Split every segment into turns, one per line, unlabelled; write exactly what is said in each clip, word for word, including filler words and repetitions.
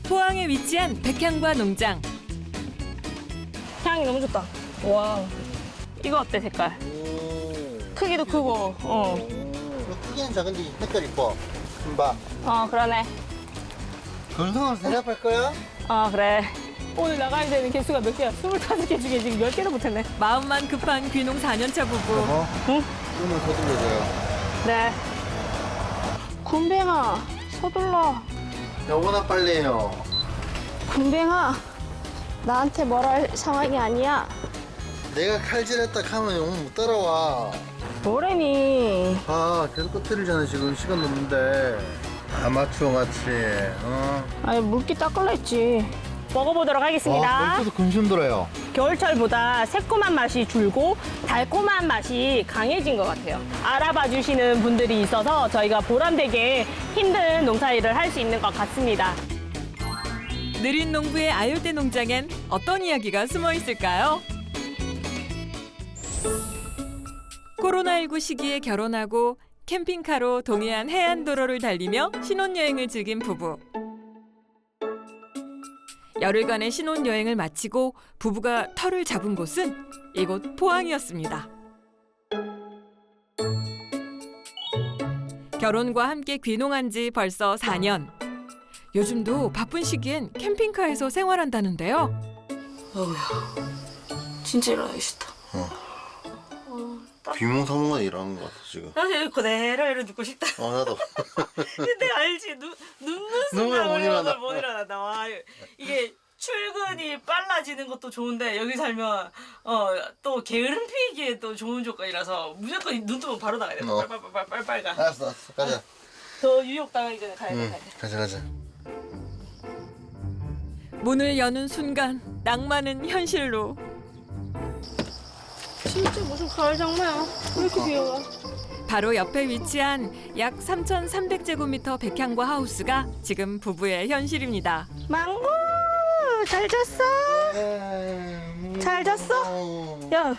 포항에 위치한 백향과 농장.
향이 너무 좋다. 와, 이거 어때 색깔? 크기도 크고. 어,
크기는 작은데 색깔 이뻐. 금방.
어 그러네.
건성을 대답할 거야?
어 그래. 오늘 나가야 되는 개수가 몇 개야? 스물다섯 개 중에 지금 열 개도 못했네.
마음만 급한 귀농 사 년차 부부.
어?
응?
눈을 서둘러줘요.
네. 군뱅아, 서둘러.
여보나 빨리 해요.
군뱅아, 나한테 뭘 할 상황이 아니야.
내가 칼질했다 하면 오늘 못 따라와.
뭐래니?
아, 계속 꺼뜨리잖아, 지금. 시간 넘는데. 아마추어 같이, 어?
아니 물기 닦을라 했지. 먹어보도록 하겠습니다.
벌써도 근심 들어요.
겨울철보다 새콤한 맛이 줄고 달콤한 맛이 강해진 것 같아요. 알아봐 주시는 분들이 있어서 저희가 보람되게 힘든 농사일을 할 수 있는 것 같습니다.
느린 농부의 아열대 농장엔 어떤 이야기가 숨어 있을까요? 코로나십구 시기에 결혼하고 캠핑카로 동해안 해안도로를 달리며 신혼여행을 즐긴 부부. 열흘간의 신혼여행을 마치고 부부가 터를 잡은 곳은 이곳 포항이었습니다. 결혼과 함께 귀농한 지 벌써 사 년. 요즘도 바쁜 시기엔 캠핑카에서 생활한다는데요.
어우야, 진짜 일어나기 싫다.
비몽사몽간 일하는 것 같아, 지금.
사실 그대로 이러 눕고 싶다.
어, 나도.
근데 알지, 누, 눕는
누우면
순간
못
우리
일어나.
오늘 못 일어난다. 와, 이게 출근이 빨라지는 것도 좋은데 여기 살면 어, 또 게으름 피기에 또 좋은 조건이라서 무조건 눈 뜨면 바로 나가야 돼.
어.
빨빨빨빨빨빨 가.
알았어, 알았어. 가자.
더 유혹 당하기 전에 가야 돼.
응,
가야 돼.
가자, 가자.
문을 여는 순간 낭만은 현실로.
진짜 무슨 가을 장마야. 왜 이렇게 비 와?
바로 옆에 위치한 약 삼천삼백 제곱미터 백향과 하우스가 지금 부부의 현실입니다.
망고 잘 잤어? 잘 잤어? 야,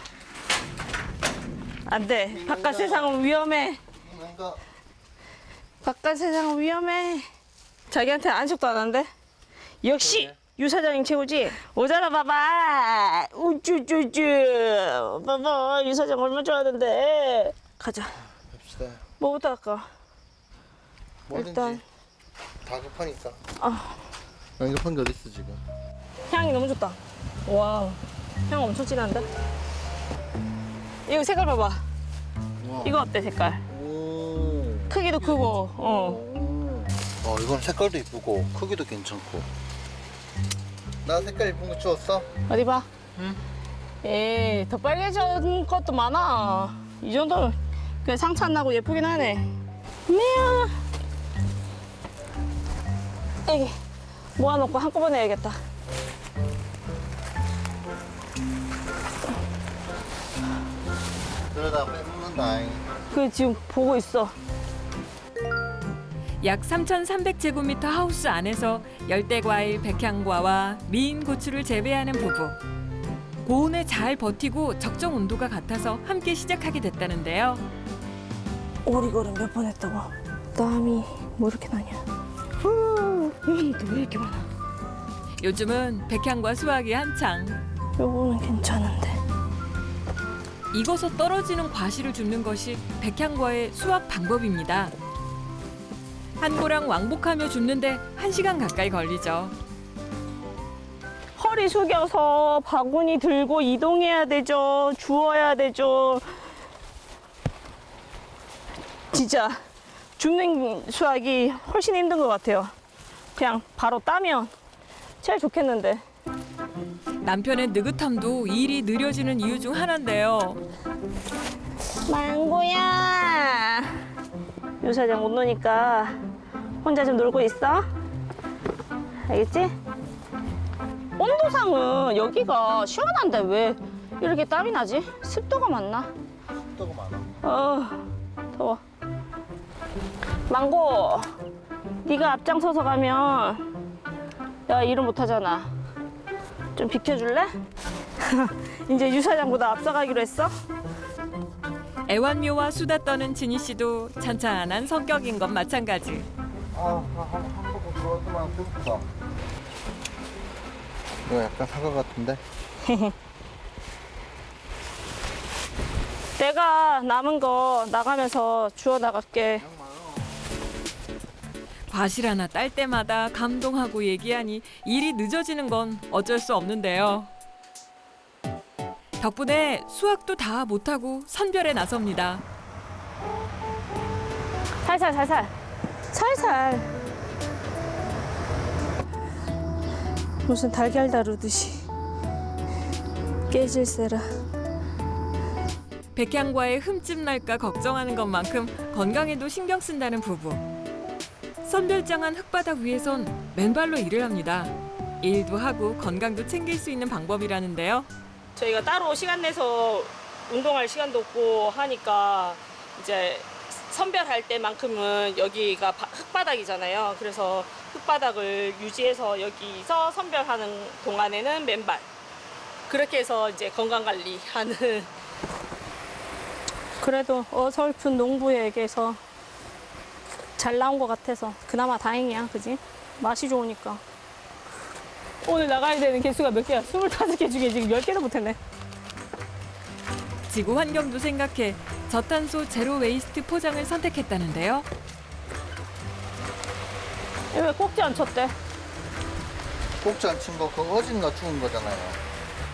안 돼. 바깥 세상은 위험해.
뭔가
바깥 세상은 위험해. 자기한테 안식도 안 한대. 역시 유 사장님 최고지. 오잖아 봐봐. 우쭈쭈쭈. 봐봐 유 사장 얼마 좋아하는데. 가자.
갑시다.
뭐부터 할까?
뭐든지
일단
다 급하니까.
아,
안 급한 게 어딨어, 지금.
향이 너무 좋다. 와, 향 엄청 진한데? 이거 색깔 봐봐.
와.
이거 어때 색깔?
오.
크기도 크고. 어.
어, 이건 색깔도 이쁘고 크기도 괜찮고. 나 색깔 이쁜 거 주웠어?
어디 봐.
응.
에이, 더 빨개진 것도 많아. 이 정도면 그냥 상처 안 나고 예쁘긴 하네. 미야. 에이, 모아놓고 한꺼번에 해야겠다.
그러다 빼먹는다.
그 지금 보고 있어.
약 삼천삼백 제곱미터 하우스 안에서 열대과일 백향과와 미인 고추를 재배하는 부부. 고온에 잘 버티고 적정 온도가 같아서 함께 시작하게 됐다는데요.
오리걸음 몇 번 했다고. 땀이 뭐 이렇게 나냐. 후, 이건 또 왜 이렇게 많아.
요즘은 백향과 수확이 한창.
요거는 괜찮은데.
익어서 떨어지는 과실을 줍는 것이 백향과의 수확 방법입니다. 한 고랑 왕복하며 줍는데 한 시간 가까이 걸리죠.
허리 숙여서 바구니 들고 이동해야 되죠. 주워야 되죠. 진짜 줍는 수확이 훨씬 힘든 것 같아요. 그냥 바로 따면 제일 좋겠는데.
남편의 느긋함도 일이 느려지는 이유 중 하나인데요.
망고야. 유 사장 못 노니까 혼자 좀 놀고 있어. 알겠지? 온도상은 여기가 시원한데 왜 이렇게 땀이 나지? 습도가 많나?
습도가 많아.
어, 더워. 망고, 네가 앞장서서 가면 내가 일을 못하잖아. 좀 비켜줄래? 이제 유 사장보다 앞서가기로 했어?
애완묘와 수다 떠는 진희 씨도 찬찬한 성격인 것 마찬가지.
아, 한, 한, 한 바퀴 돌았더만 배고프다. 이거 약간 사과 같은데?
내가 남은 거 나가면서 주워 나갈게.
과실 하나 딸 때마다 감동하고 얘기하니 일이 늦어지는 건 어쩔 수 없는데요. 덕분에 수확도 다 못하고 선별에 나섭니다.
살살 살살 살살. 무슨 달걀 다루듯이 깨질세라.
백향과의 흠집 날까 걱정하는 것만큼 건강에도 신경 쓴다는 부부. 선별장한 흙바닥 위에선 맨발로 일을 합니다. 일도 하고 건강도 챙길 수 있는 방법이라는데요.
저희가 따로 시간 내서 운동할 시간도 없고 하니까 이제 선별할 때만큼은 여기가 바- 흙바닥이잖아요. 그래서 흙바닥을 유지해서 여기서 선별하는 동안에는 맨발. 그렇게 해서 이제 건강 관리하는. 그래도 어설픈 농부에게서 잘 나온 것 같아서 그나마 다행이야, 그지? 맛이 좋으니까. 오늘 나가야 되는 개수가 몇 개야? 스물다섯 개 중에 지금 열 개도 못했네.
지구 환경도 생각해 저탄소 제로 웨이스트 포장을 선택했다는데요.
왜 꼭지 안 쳤대?
꼭지 안 친 거 그거 어진가 죽은 거잖아요.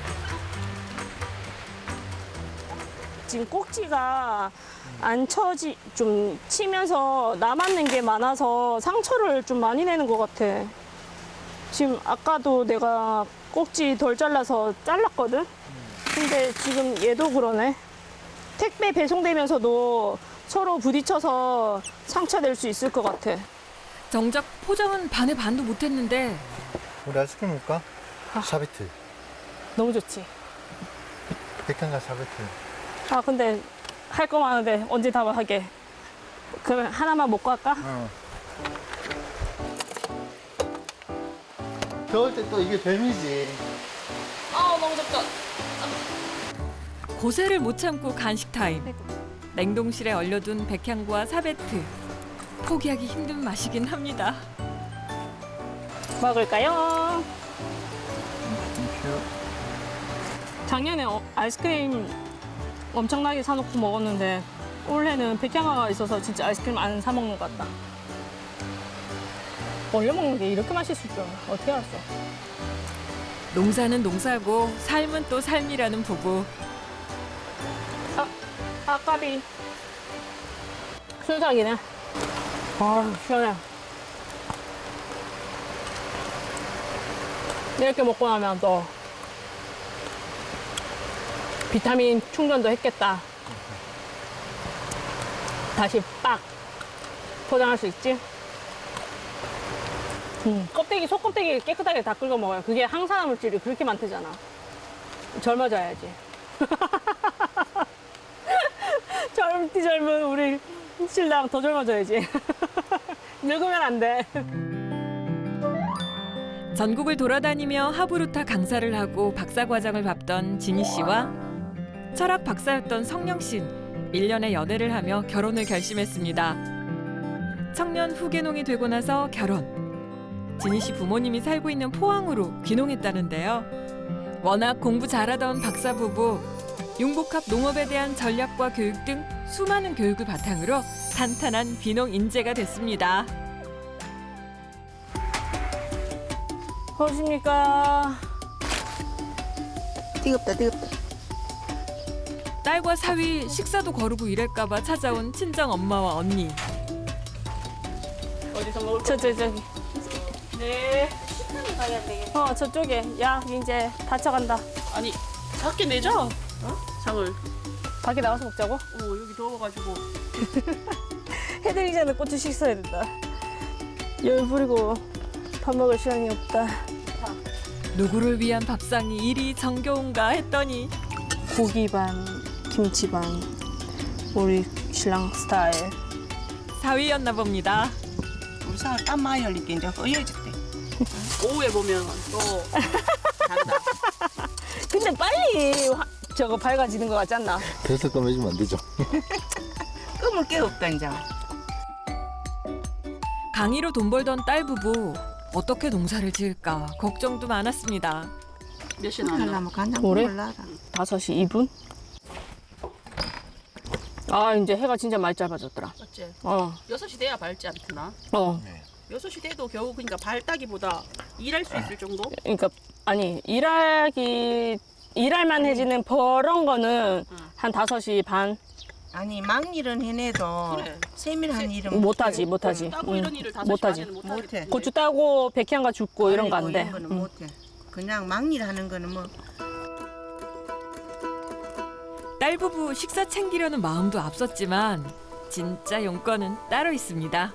지금 꼭지가 안 쳐지, 좀 치면서 남았는 게 많아서 상처를 좀 많이 내는 것 같아. 지금 아까도 내가 꼭지 덜 잘라서 잘랐거든? 근데 지금 얘도 그러네. 택배 배송되면서도 서로 부딪혀서 상처 낼 수 있을 것 같아.
정작 포장은 반의 반도 못했는데
우리 아이스크림 먹을까?
아.
샤베트.
너무 좋지.
백향과 샤베트.
아, 근데 할 거 많은데 언제 다 하게. 그러면 하나만 먹고 할까?
어. 겨울 때 또 이게 뱀이지.
아, 너무 덥다.
고세를 못 참고 간식 타임. 냉동실에 얼려둔 백향과 사베트. 포기하기 힘든 맛이긴 합니다.
먹을까요? 작년에 어, 아이스크림 엄청나게 사놓고 먹었는데 올해는 백향화가 있어서 진짜 아이스크림 안 사 먹는 것 같다. 얼려 먹는 게 이렇게 맛있을 줄 어떻게 알았어?
농사는 농사고 삶은 또 삶이라는 부부.
아, 아까비 순삭이네. 아, 시원해. 이렇게 먹고 나면 또 비타민 충전도 했겠다. 다시 빡 포장할 수 있지? 음, 껍데기, 속껍데기 깨끗하게 다 긁어 먹어요. 그게 항산화 물질이 그렇게 많대잖아. 젊어져야지. 젊디 젊은 우리 신랑 더 젊어져야지. 늙으면 안 돼.
전국을 돌아다니며 하부루타 강사를 하고 박사과정을 밟던 진희 씨와 철학 박사였던 성령 씨는 일 년의 연애를 하며 결혼을 결심했습니다. 청년 후계농이 되고 나서 결혼. 진희 씨 부모님이 살고 있는 포항으로 귀농했다는데요. 워낙 공부 잘하던 박사 부부, 융복합 농업에 대한 전략과 교육 등 수많은 교육을 바탕으로 탄탄한 귀농 인재가 됐습니다.
어십니까?
뜨겁다 뜨겁다.
딸과 사위 식사도 거르고 이럴까봐 찾아온 친정 엄마와 언니.
어디서 먹을 저, 저, 저기. 네.
식당에 가야 되겠다.
어, 저쪽에. 야, 이제 다쳐간다.
아니 밖에 내자. 어? 장을.
밖에 나가서 먹자고?
어 여기 더워가지고.
해드리기 전에 고추 식사해야 된다. 열 부리고 밥 먹을 시간이 없다.
누구를 위한 밥상이 이리 정겨운가 했더니
고기 반, 김치 반. 우리 신랑 스타일.
사위였나 봅니다.
우리 사람 땀 많이 흘리게 이제 허해졌대. 오후에 보면 또 다르다.
근데 빨리 화- 저거 밝아지는 것 같지 않나?
그래서 꺼내주면 안 되죠.
끄물 게 없다 이제.
강의로 돈 벌던 딸 부부. 어떻게 농사를 지을까 걱정도 많았습니다.
몇 시에 나왔나?
하려면 간장
뭐래?
몰라라.
다섯 시 이 분? 아, 이제 해가 진짜 많이 짧아졌더라.
어째?
어,
여섯 시 돼야 밝지 않나?
어.
여섯 시 돼도 겨우 그러니까 밝다기보다 일할 수 있을 정도?
그러니까, 아니, 일하기, 일할만 해지는 버런 거는
응.
한 다섯 시 반?
아니 막일은 해내도
그래.
세밀한 일은
못하지, 못하지.
따고
응,
이런 일을 다섯 시
못하지.
반에는
못해.
못하지.
고추 따고 백향가 줍고 이런 거 안
아이고,
돼.
이런 거는
응.
못해. 그냥 막일 하는 거는 뭐
딸 부부 식사 챙기려는 마음도 앞섰지만 진짜 용건은 따로 있습니다.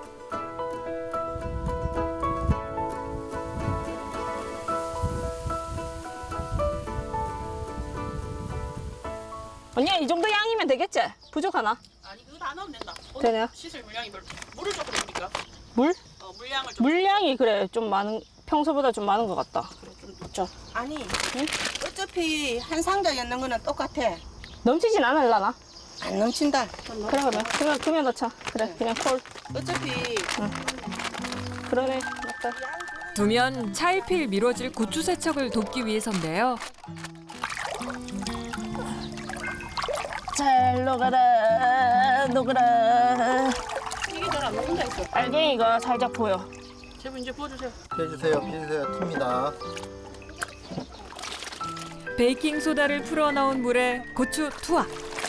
언니야, 이 정도 양이면 되겠지? 부족하나?
아니 그거 다 넣으면 된다. 오늘
되네요.
씻을 물량이 별로. 물을 조금 넣으니까.
물?
어, 물량을 좀.
물량이 그래, 좀 많은, 평소보다 좀 많은 것 같다.
그래, 좀 넣자.
아니 어차피 한 상자 였는 거는 똑같아.
넘치진 않을라나?
안 넘친다.
그래, 그러면. 그냥, 그냥 넣자. 그래, 그냥 콜.
어차피
그러네, 맞다.
두면 차일피일 미뤄질 고추 세척을 돕기 위해서인데요.
잘 녹아라, 녹아라.
이게 잘안 녹는다 했어.
알갱이가 살짝 보여.
제부 이제 부어주세요.
피해주세요, 피해주세요. 틉니다.
베이킹 소다를 풀어 넣은 물에 고추 투하.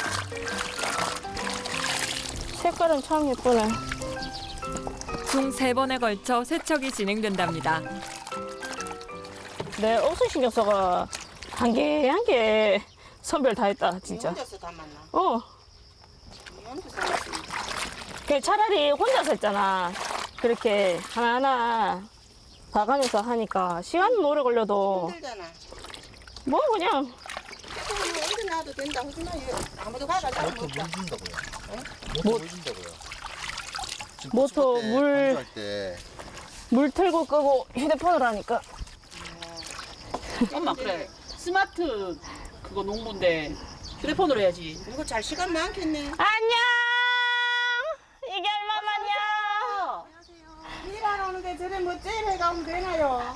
색깔은 참 예쁘네.
총 세 번에 걸쳐 세척이 진행된답니다.
내 옷을 신경 써가 한 개 한 개 선별 다 했다, 진짜.
혼자서 다 만나.
어.
혼자서 만났으니까.
그 차라리 혼자서 했잖아. 그렇게 하나하나 봐가면서 하니까 시간은 오래 걸려도
힘들잖아.
뭐 그냥
그냥 어디 놔도 된다. 하지만 이거 아무도 가가 잘
모터
못다.
물 준다고요.
뭐-
모터 물 준다고요. 지금
모터
고추 때,
물-
건조할 때
물 틀고 끄고 휴대폰으로 하니까.
엄마 그래. 스마트 그거 농부인데 휴대폰으로 해야지.
이거 잘 시간 많겠네.
안녕! 이게 얼마만이야?
일하러 오는데 저래 뭐 째려 가면 되나요?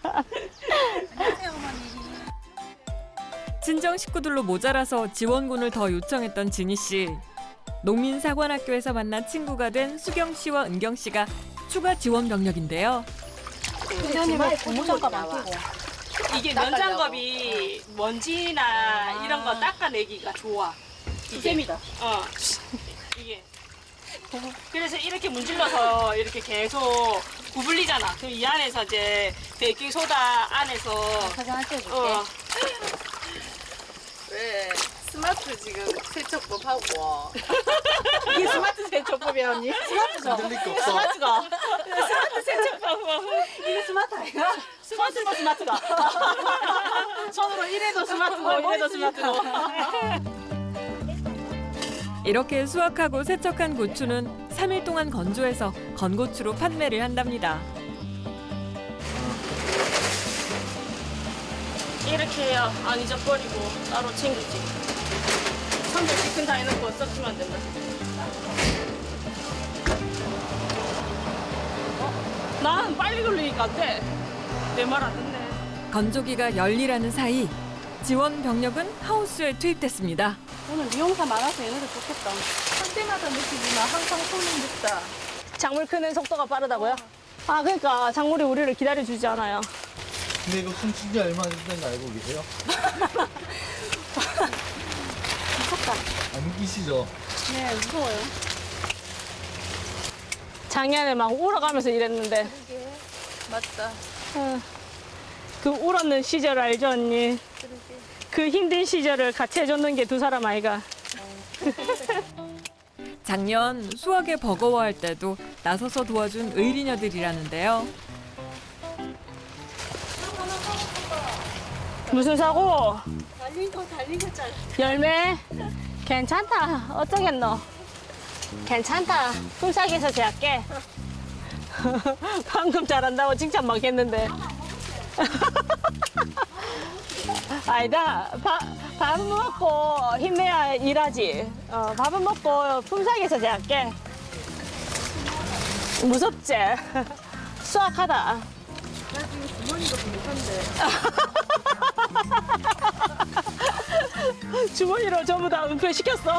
친정 식구들로 모자라서 지원군을 더 요청했던 진희 씨. 농민사관학교에서 만난 친구가 된 수경 씨와 은경 씨가 추가 지원 병력인데요.
부모님의 고무장갑 안 끼고.
이게 면장갑이 먼지나 이런 거 닦아내기가 좋아. 잼이다. 어. 이게. 그래서 이렇게 문질러서 이렇게 계속 구불리잖아. 그럼 이 안에서 이제 베이킹 소다 안에서
화장할 때 줄게.
어.
왜 스마트 지금 세척법 하고
이게 스마트 세척법이야 언니? 스마트죠?
흔들릴 거 없어.
스마트가. 스마트 세척법. 이게 스마트 아니야? 스마트가 스마트가. 손으로 이래도 스마트고 이래도 스마트고.
이렇게 수확하고 세척한 고추는 삼 일 동안 건조해서 건고추로 판매를 한답니다.
이렇게 해야 안 잊어버리고 따로 챙기지. 선별 시큰 다 해놓고 썩히면 안 된다. 어? 난 빨리 돌리니까 안 돼. 내 말 안 듣네.
건조기가 열일하는 사이 지원 병력은 하우스에 투입됐습니다.
오늘 미용사 많아서 얘네들 좋겠다. 할 때마다 느끼지만 항상 손이 늦다.
작물 크는 속도가 빠르다고요? 아, 그러니까 작물이 우리를 기다려주지 않아요.
근데 이거 숨쉰 지 얼마 됐는지 알고 계세요?
무섭다.
안 웃기시죠?
네, 무서워요.
작년에 막 울어가면서 일했는데.
맞다.
어, 그 울었는 시절 알죠, 언니? 그 힘든 시절을 같이 해줬는 게 두 사람 아이가.
작년 수확에 버거워할 때도 나서서 도와준 의리녀들이라는데요.
무슨 사고?
달린 거 달린 거잖아.
열매? 괜찮다. 어쩌겠노? 괜찮다. 품삯에서 제할게. 방금 잘한다고 칭찬 막 했는데. 아니다. 밥, 밥은 먹고 힘내야 일하지. 어, 밥은 먹고 품삯에서 제할게. 무섭지? 수학하다. 주머니로 전부 다 은폐시켰어.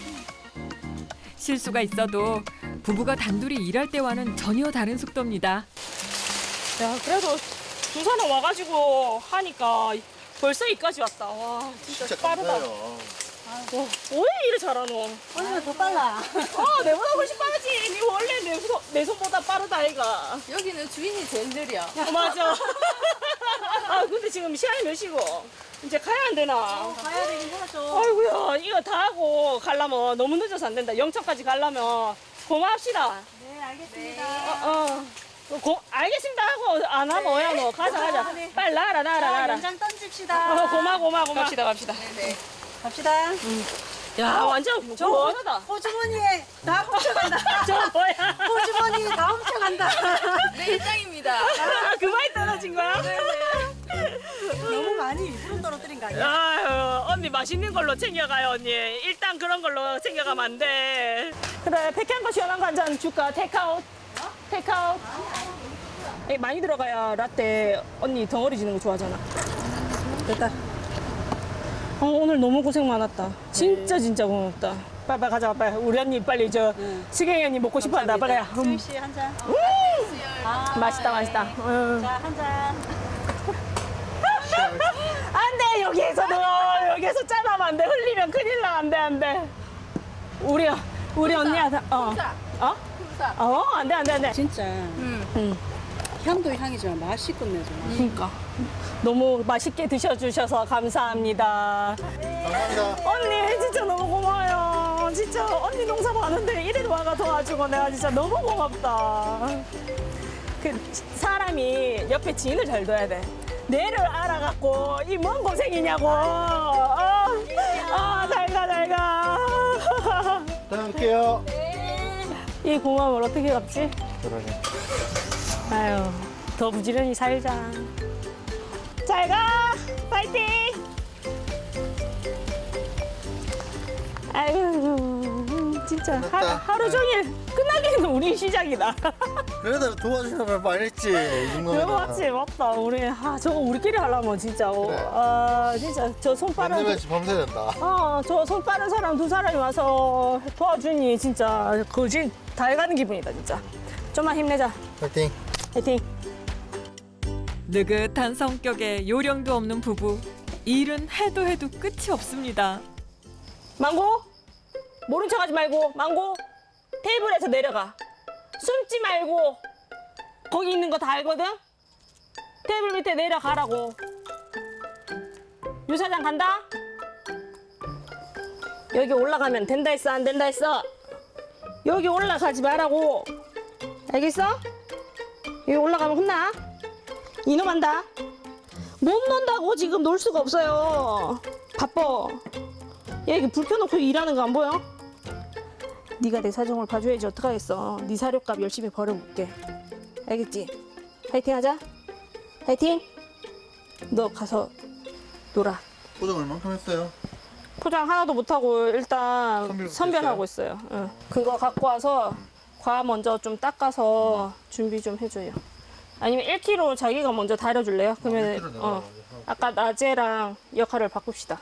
실수가 있어도 부부가 단둘이 일할 때와는 전혀 다른 속도입니다.
야, 그래도 두 사람 와가지고 하니까 벌써 이까지 왔다. 와, 진짜,
진짜
빠르다.
감사해요.
와, 왜 이래 잘하노?
언니가 더 빨라.
어, 내보다 훨씬 빠르지. 니 원래 내, 손- 내 손보다 빠르다, 아이가.
여기는 주인이 제일 느려.
어, 맞아. 아, 근데 지금 시간이 몇 시고? 이제 가야 안 되나?
가야 되긴 하죠.
아이고야, 이거 다 하고 가려면 너무 늦어서 안 된다. 영천까지 가려면 고마합시다.
네, 알겠습니다.
어, 어. 고, 알겠습니다 하고 안 하면 뭐야 너. 가자, 가자. 빨리 나라, 나라,
자,
나라.
연장 던집시다.
어, 고마, 고마, 고마. 갑시다, 갑시다.
네네.
갑시다.
야, 완전 고마하다.
호주머니에 다 훔쳐간다.
저 뭐야?
호주머니에 다 훔쳐간다.
네, 일장입니다.
아, 그만이 떨어진 거야?
너무 많이 일부러 떨어뜨린 거 아니야?
아유, 언니 맛있는 걸로 챙겨가요, 언니. 일단 그런 걸로 챙겨가면 안 돼. 그래, 백향 거 시원한 거 한 잔 줄까? 테이크아웃. 테이크아웃. 에, 많이 들어가야 라떼 언니 덩어리 지는 거 좋아하잖아. 됐다. 어, 오늘 너무 고생 많았다. 진짜 진짜 고맙다. 빨리 빨리 가자, 빨리. 우리 언니 빨리 저 시경이 언니 먹고 싶어 한다. 빨리 가. 음.
수희 씨 한 잔. 아,
맛있다,
네.
맛있다. 음.
자, 한 잔.
안 돼, 여기에서 너 여기에서 짠하면 안 돼. 흘리면 큰일 나. 안 돼, 안 돼. 우리 우리 언니야. 다- 어. 어?
품사.
어, 안 돼, 안 돼, 안 돼.
진짜
응.
향도 향이지만 맛이 끝내줘.
그러니까 너무 맛있게 드셔주셔서 감사합니다.
감사합니다.
언니 진짜 너무 고마워요. 진짜 언니 농사 많은데 이래도 와가 도와주고 내가 진짜 너무 고맙다. 그 사람이 옆에 지인을 잘 둬야 돼. 내를 알아갖고 이 뭔 고생이냐고. 어, 아, 잘가 잘가.
다녀올게요.
이 고마움을 어떻게 갚지?
그러게.
아유, 더 부지런히 살자. 잘 가! 파이팅! 아이고, 진짜 하루,
끝났다.
하루 종일 끝나기는 우리 시작이다.
그래도 도와주려면 말했지. 이
그거
정도면.
맞지? 맞다. 우리, 아, 저거 우리끼리 하려면 진짜. 어,
그래.
아, 진짜 저 손 빠른.
만들면 밤새야 된다.
어, 저 손 빠른 사람 두 사람이 와서 도와주니 진짜 거진 다 해가는 기분이다, 진짜. 좀만 힘내자.
파이팅.
파이팅!
느긋한 성격에 요령도 없는 부부. 일은 해도 해도 끝이 없습니다.
망고? 모른 척하지 말고 망고 테이블에서 내려가. 숨지 말고 거기 있는 거 다 알거든? 테이블 밑에 내려가라고. 유사장 간다? 여기 올라가면 된다 했어 안 된다 했어? 여기 올라가지 말라고. 알겠어? 여기 올라가면 혼나. 이놈 한다. 못 논다고 지금 놀 수가 없어요. 바빠. 얘 이게 불 켜놓고 일하는 거 안 보여? 네가 내 사정을 봐줘야지 어떡하겠어. 네 사료값 열심히 벌어볼게. 알겠지? 파이팅 하자. 파이팅. 너 가서 놀아.
포장 얼만큼 했어요?
포장 하나도 못하고 일단
선별부터
선별하고 있어요. 응. 그거 갖고 와서 과 먼저 좀 닦아서 준비 좀 해줘요. 아니면 일 킬로그램 자기가 먼저 다려줄래요? 그러면
일 킬로그램
어,
내가
아까 낮에랑 역할을 바꿉시다.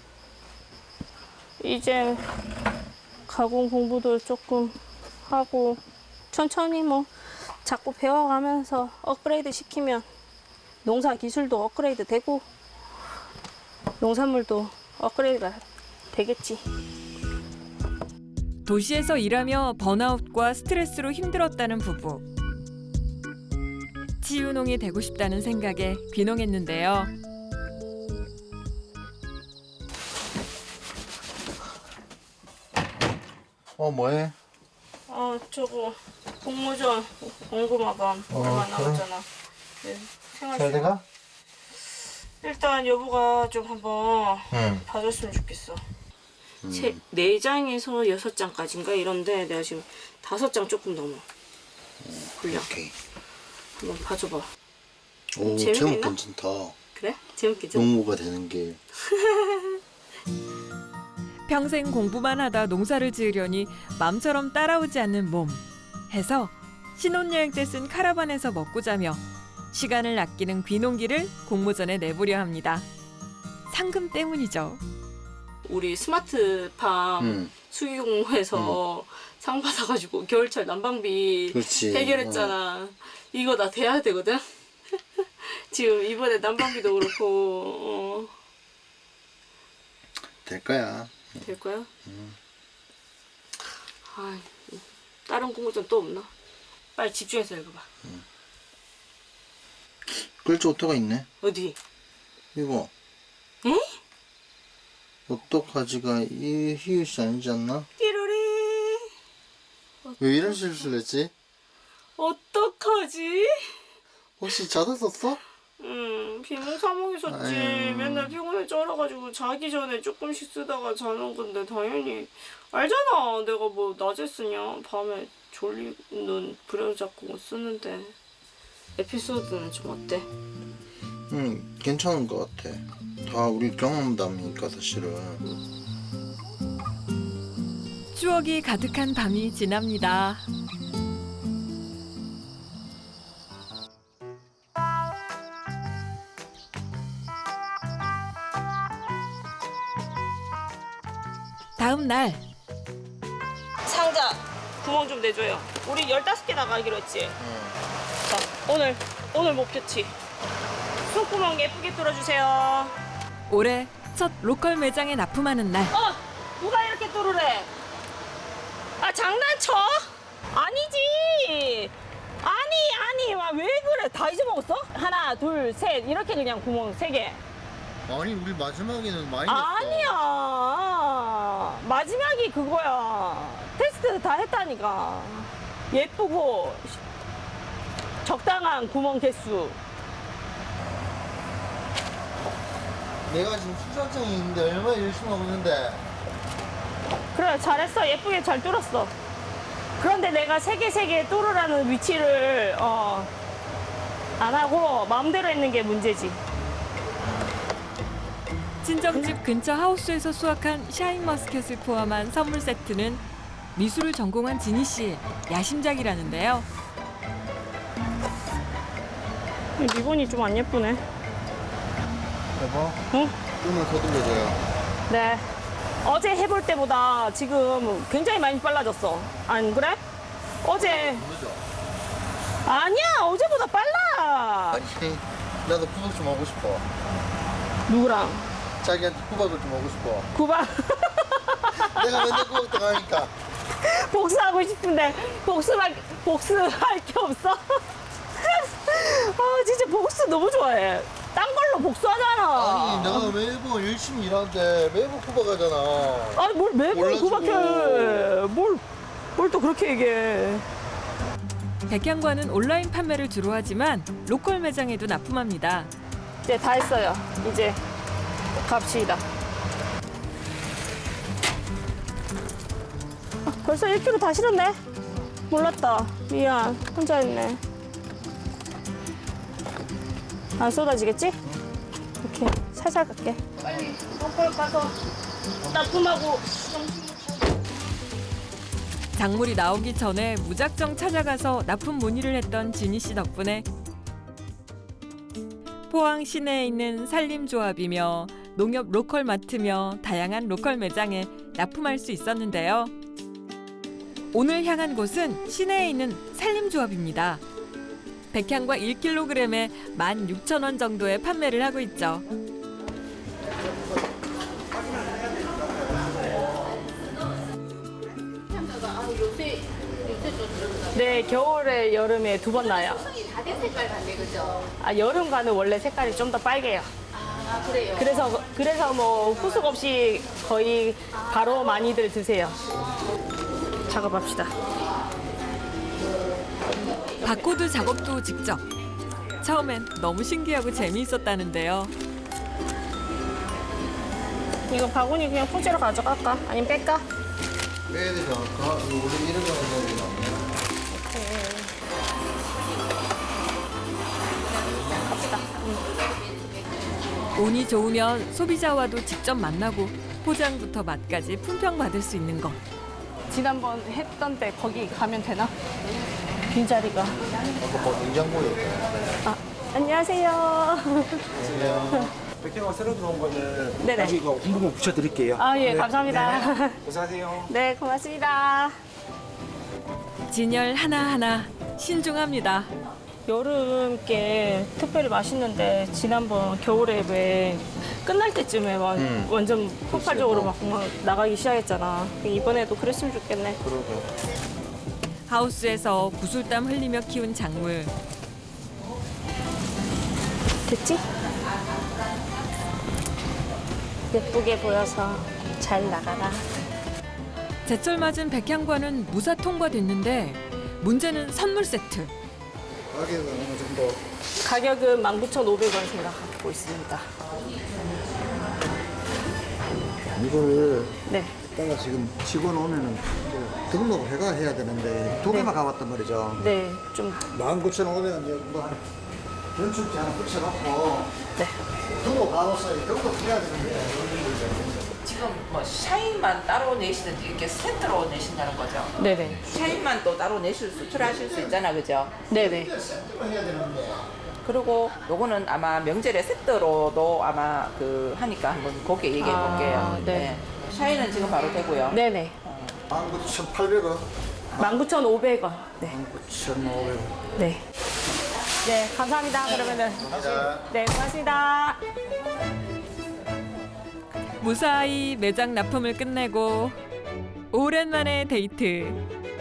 이제 가공 공부도 조금 하고 천천히 뭐 자꾸 배워가면서 업그레이드 시키면 농사 기술도 업그레이드 되고 농산물도 업그레이드가 되겠지.
도시에서 일하며 번아웃과 스트레스로 힘들었다는 부부. 치유농이 되고 싶다는 생각에 귀농했는데요.
어 뭐해?
아 저거 공모전 공고마감
어,
얼마
그래?
나왔잖아. 네,
잘
생활
돼가?
일단 여보가 좀 한번
응.
봐줬으면 좋겠어. 세, 네 장에서 여섯 장까지인가 이런데 내가 지금 다섯 장 조금 넘어. 분량
오케이.
한번 봐줘봐.
오
재밌나?
제목 괜찮다.
그래? 재밌겠죠?
농부가 되는 게.
평생 공부만 하다 농사를 지으려니 맘처럼 따라오지 않는 몸. 해서 신혼여행 때 쓴 카라반에서 먹고 자며 시간을 아끼는 귀농기를 공모전에 내보려 합니다. 상금 때문이죠.
우리 스마트팜
응.
수기공모에서 상 받아가지고 겨울철 난방비
그렇지.
해결했잖아. 이거 나 돼야 되거든. 지금 이번에 난방비도 그렇고 어,
될 거야.
될 거야? 아, 다른 공모전 또 없나? 빨리 집중해서 읽어봐.
글자 오토가 있네.
어디?
이거.
에?
어떡하지가 이 히읗이 아니지 않나?
띠로리.
왜 이런 실수를 했지?
어떡하지?
혹시 자다 썼어?
음, 비몽사몽이 썼지.
아유.
맨날 피곤해 쩔어가지고 자기 전에 조금씩 쓰다가 자는 건데 당연히 알잖아. 내가 뭐 낮에 쓰냐 밤에 졸리는 부려잡고 쓰는데. 에피소드는 좀 어때?
응, 괜찮은 것 같아. 다 우리 경험담이니까 사실은.
추억이 가득한 밤이 지납니다. 다음 날
상자 구멍 좀 내줘요. 우리 열다섯 개 나가기로 했지? 자, 오늘 오늘 목표치. 손구멍 예쁘게 뚫어주세요.
올해 첫 로컬 매장에 납품하는 날.
어! 누가 이렇게 뚫으래? 아 장난쳐? 아니지. 아니 아니 와, 왜 그래? 다 잊어먹었어? 하나 둘 셋 이렇게 그냥 구멍 세 개.
아니 우리 마지막에는 많이 냈어.
아니야. 마지막이 그거야. 테스트 다 했다니까. 예쁘고 적당한 구멍 개수.
내가 지금 수전증이 있는데 얼마나 열심히 하고 있는데.
그래 잘했어. 예쁘게 잘 뚫었어. 그런데 내가 세 개 세 개 뚫으라는 위치를 어, 안 하고 마음대로 했는 게 문제지.
친정집 근처 하우스에서 수확한 샤인머스켓을 포함한 선물 세트는 미술을 전공한 지니 씨의 야심작이라는데요.
리본이 좀 안 예쁘네.
여보?
응?
끈을 서둘러줘요.
네. 어제 해볼 때보다 지금 굉장히 많이 빨라졌어. 안 그래? 어제
모르죠?
아니야 어제보다 빨라.
아니 나도 구박 좀 하고 싶어.
누구랑?
자기한테 구박을 좀 하고 싶어.
구박
내가 맨날 구박 당하니까.
복수하고 싶은데 복수할 복수할 게 없어. 아 진짜 복수 너무 좋아해. 딴 걸로 복수하잖아.
아니 내가 매번 열심히 일하는데 매번 구박하잖아.
아니 뭘 매번
몰라주고.
구박해. 뭘 뭘 또 그렇게 얘기해.
백향과는 온라인 판매를 주로 하지만 로컬 매장에도 납품합니다.
이제 다 했어요. 이제 갑시다. 아, 벌써 일 킬로그램 다 실었네. 몰랐다. 미안. 혼자 했네. 안 쏟아지겠지? 이렇게 살살 갈게. 빨리 덤벌 가서 납품하고
작물이 나오기 전에 무작정 찾아가서 납품 문의를 했던 지니 씨 덕분에 포항 시내에 있는 산림조합이며 농협 로컬 마트며 다양한 로컬 매장에 납품할 수 있었는데요. 오늘 향한 곳은 시내에 있는 산림조합입니다. 백향과 일 킬로그램에 만 육천 원 정도에 판매를 하고 있죠.
네, 겨울에 여름에 두 번 나요.
다된 색깔 같네, 그죠?
아, 여름과는 원래 색깔이 좀 더 빨개요.
아, 그래요?
그래서 그래서 뭐 후숙 없이 거의 바로 많이들 드세요. 작업합시다.
바코드 작업도 직접. 처음엔 너무 신기하고 재미있었다는데요.
이거 바구니 그냥 통째로 가져갈까? 아니면 뺄까?
빼야 되지 않을까? 이거 원래 이런 거 해야 되지 않나?
갑시다.
운이 좋으면 소비자와도 직접 만나고 포장부터 맛까지 품평받을 수 있는 것.
지난번 했던 때 거기 가면 되나? 빈자리가.
아까 뭐 냉장고에 있다.
아, 안녕하세요.
백형아 새로 들어온 거는
네네.
여기 이거 공부문 붙여드릴게요.
아, 예, 감사합니다.
네. 고생하세요.
네, 고맙습니다.
진열 하나하나 신중합니다.
여름께 특별히 맛있는데 지난번 겨울에 왜 끝날 때쯤에 막
음.
완전 폭발적으로 막, 막 나가기 시작했잖아. 이번에도 그랬으면 좋겠네.
그러게.
하우스에서 구슬땀 흘리며 키운 작물.
됐지? 예쁘게 보여서 잘 나가라.
제철 맞은 백향과는 무사 통과됐는데 문제는 선물 세트.
가격은 어느 정도?
가격은 만 구천 오백 원 생각하고 있습니다.
이거를
네.
이따가 지금 직원 오면은 또 등록해가 해야 되는데 두 개만 가봤단 말이죠.
네, 좀,
만 구천 오백 원 이제 뭐 연축지 하나 붙여놓고
네.
등록 가봤어요. 등록해야 되는데.
지금 뭐 샤인만 따로 내시든지 이렇게 세트로 내신다는 거죠.
네네.
샤인만 또 따로 내실 수, 수출하실 수 있잖아, 그죠?
네네.
그리고 요거는 아마 명절에 세트로도 아마 그 하니까 한번 그렇게 얘기해
아,
볼게요.
네.
샤인은 지금 바로 되고요.
네네.
만 구천 팔백 원.
만 구천 오백 원. 네.
만 구천 오백 원.
네. 네, 감사합니다. 그러면은. 네, 고맙습니다.
무사히 매장 납품을 끝내고 오랜만에 데이트.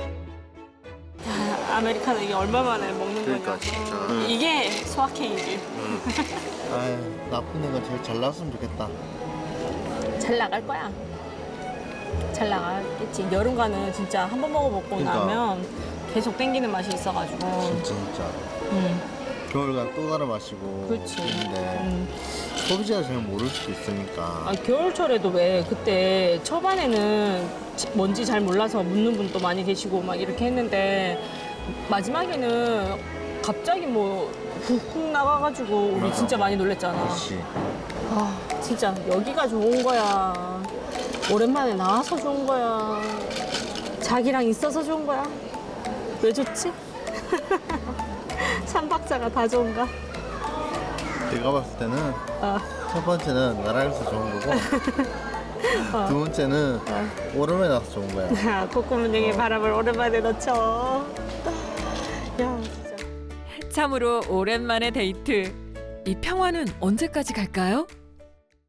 아, 아메리카노 이게 얼마 만에 먹는
그러니까,
거냐.
진짜.
이게 소확행이지.
아유, 나쁜 애가 제일 잘 나왔으면 좋겠다.
잘 나갈 거야. 잘 나가겠지. 여름과는 진짜 한 번 먹어먹고
그러니까.
나면 계속 땡기는 맛이 있어가지고.
진짜 진짜.
음,
겨울간 또 갈아 마시고.
그렇지.
근데
음.
소비자가 잘 모를 수도 있으니까.
아, 겨울철에도 왜 그때 초반에는 지- 뭔지 잘 몰라서 묻는 분도 많이 계시고 막 이렇게 했는데 마지막에는 갑자기 뭐 훅훅 나가가지고 우리
맞아.
진짜 많이 놀랬잖아.
그렇지.
아, 진짜 여기가 좋은 거야. 오랜만에 나와서 좋은 거야. 자기랑 있어서 좋은 거야. 왜 좋지? 삼박자가 다 좋은가?
내가 봤을 때는
어.
첫 번째는 나라에서 좋은 거고 두 번째는 오름에 나서 좋은 거야.
콧구멍에 바람을 오랜만에 넣죠. 야, 진짜.
참으로 오랜만에 데이트. 이 평화는 언제까지 갈까요?